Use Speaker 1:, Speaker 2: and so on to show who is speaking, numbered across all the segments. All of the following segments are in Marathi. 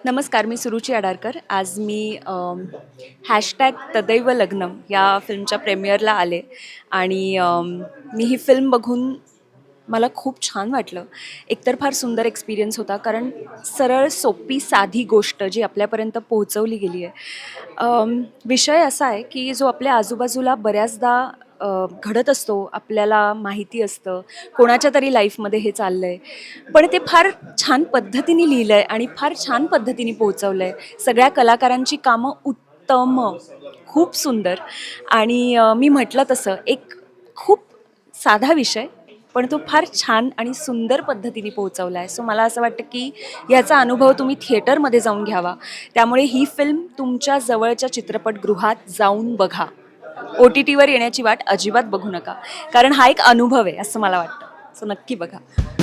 Speaker 1: नमस्कार, मी सुरुची आडारकर. आज मी हॅशटॅग तदैव लग्नम या फिल्मच्या प्रेमियरला आले आणि मी ही फिल्म बघून मला खूप छान वाटलं. एकतर फार सुंदर एक्सपिरियन्स होता, कारण सरळ सोपी साधी गोष्ट जी आपल्यापर्यंत पोहोचवली गेली आहे. विषय असा आहे की जो आपल्या आजूबाजूला बऱ्याचदा घडत असतो, आपल्याला माहिती असतं कोणाच्या तरी लाईफमध्ये हे चाललं आहे, पण ते फार छान पद्धतीने लिहिलं आहे आणि फार छान पद्धतीने पोहोचवलं आहे. सगळ्या कलाकारांची कामं उत्तम, खूप सुंदर. आणि मी म्हटलं तसं एक खूप साधा विषय, पण तो फार छान आणि सुंदर पद्धतीने पोहोचवला आहे. सो मला असं वाटतं की ह्याचा अनुभव तुम्ही थिएटरमध्ये जाऊन घ्यावा. त्यामुळे ही फिल्म तुमच्या जवळच्या चित्रपटगृहात जाऊन बघा. OTTवर येण्याची वाट अजिबात बघू नका, कारण हा एक अनुभव आहे असं मला वाटतं. सो नक्की बघा.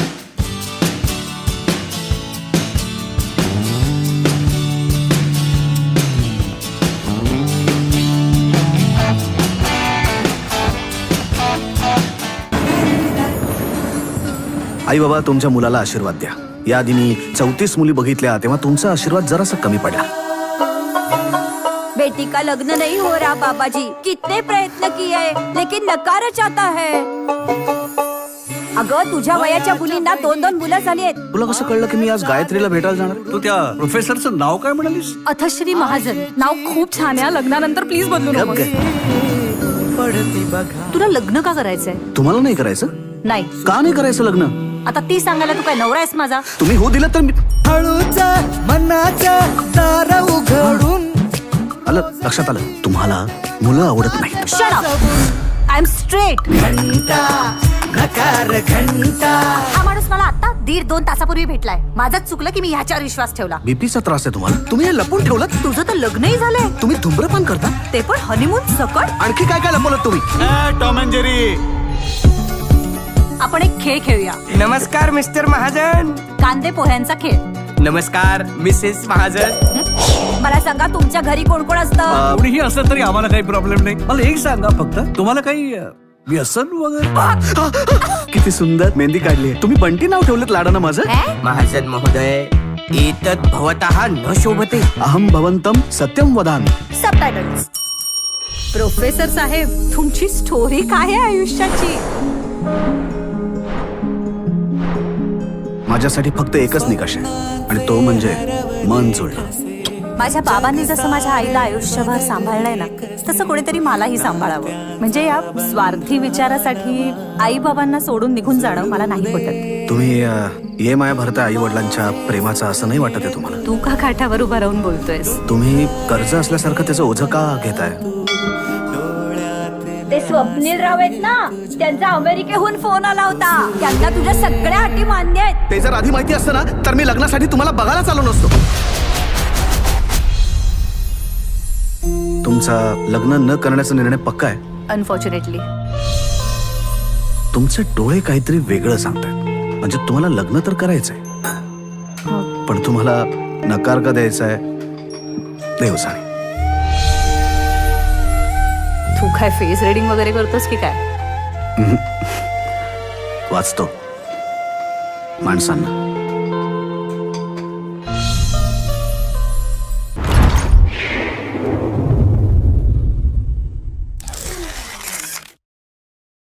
Speaker 2: आई बाबा, तुमच्या मुलाला आशीर्वाद द्या. याआधी मी 34 मुली बघितल्या, तेव्हा तुमचा आशीर्वाद जरासा कमी पडला.
Speaker 3: बेटी का लग्न नहीं हो रहा बाबाजी, कितने प्रयत्न किए लेकिन नकारच आता है. अगं, तुझ्या वयाच्या मुलींना 2-2 मुलं झाली आहेत.
Speaker 2: तुला कसं कळलं की मी आज गायत्रीला भेटायला जाणार?
Speaker 4: तू त्या प्रोफेसरचं नाव काय म्हणालीस?
Speaker 3: अथश्री महाजन. नाव खूप छान आहे. लग्नानंतर प्लीज बदलू
Speaker 2: गप
Speaker 3: नको.
Speaker 2: गे.
Speaker 3: तुला लग्न का करायचंय?
Speaker 2: तुम्हाला नाही करायचं?
Speaker 3: नाही.
Speaker 2: का नाही करायचं लग्न?
Speaker 3: आता ती सांगायला तू काय नवरा आहेस माझा?
Speaker 2: तुम्ही हो दिलं तर मी
Speaker 5: हळूचा मनाचा दार उघडून.
Speaker 2: आलं लक्षात आलं. तुम्हाला मुलं आवडत नाहीत.
Speaker 3: Shut up. I am straight.
Speaker 5: घंटा नकार घंटा.
Speaker 3: हा माणूस मला आता 1.5-2 तासापूर्वी भेटलाय. माझंच चुकलं की मी ह्याच्यावर विश्वास ठेवला.
Speaker 2: बीपीचा त्रास आहे तुम्हाला? तुम्ही हे लपून ठेवलं?
Speaker 3: तुझं तर लग्नही झालंय,
Speaker 2: तुम्ही धूम्रपान करता?
Speaker 3: ते पण हनीमून सकट.
Speaker 2: आणखी काय काय लपवलं तुम्ही?
Speaker 4: Tom and Jerry.
Speaker 3: आपण एक खेळ खेळूया.
Speaker 5: नमस्कार मिस्टर महाजन.
Speaker 3: कांदे पोह्यांचा खेळ.
Speaker 5: नमस्कार मिसेस महाजन.
Speaker 3: मला सांगा, तुमच्या घरी कोण कोण असतं?
Speaker 4: कोणीही असलं तरी आम्हाला काही प्रॉब्लेम नाही. मला एक सांगा फक्त, तुम्हाला काही व्यसन वगैरे?
Speaker 2: किती सुंदर मेहंदी काढली. तुम्ही बंटी नाव ठेवलं लाडानं माझं?
Speaker 5: महाजन महोदय, एतत् भवतः न शोभते.
Speaker 2: अहम भवंतम सत्यम वदामि.
Speaker 3: सबटायटल्स. प्रोफेसर साहेब, तुमची स्टोरी काय आहे आयुष्याची?
Speaker 2: माझ्यासाठी फक्त एकच निकष आहे, आणि तो म्हणजे मन जुळणं.
Speaker 3: माझ्या बाबांनी जसं माझ्या आईला आयुष्यभर सांभाळलंय ना, तसं कोणीतरी मलाही सांभाळावं. म्हणजे या स्वार्थी विचारासाठी आई बाबांना सोडून निघून जाणं मला नाही पटत.
Speaker 2: तुम्ही ये माया भरता आई वडिलांच्या प्रेमाचं असं नाही वाटत आहे तुम्हाला?
Speaker 3: तू का काठावर उभा राहून बोलतोयस?
Speaker 2: तुम्ही कर्ज असल्यासारखं त्याचं ओझं का घेताय?
Speaker 3: ते स्वप्नील राव आहेत ना, त्यांचा अमेरिकेहून फोन आला होता. त्यांना तुझ्या सगळ्या अटी मान्य आहेत.
Speaker 2: ते जर आधी माहिती असतं ना, तर मी लग्नासाठी तुम्हाला बघायला आलो नसतो. तुमचा लग्न न करण्याचा निर्णय पक्का आहे?
Speaker 3: अनफॉर्च्युनेटली.
Speaker 2: तुमचे डोळे काहीतरी वेगळं सांगतायत. म्हणजे तुम्हाला लग्न तर करायचंय, पण तुम्हाला नकार का द्यायचा आहे देव जाणे.
Speaker 3: तू काय फेस रीडिंग वगैरे करतोस की काय?
Speaker 2: वाचतो माणसांना.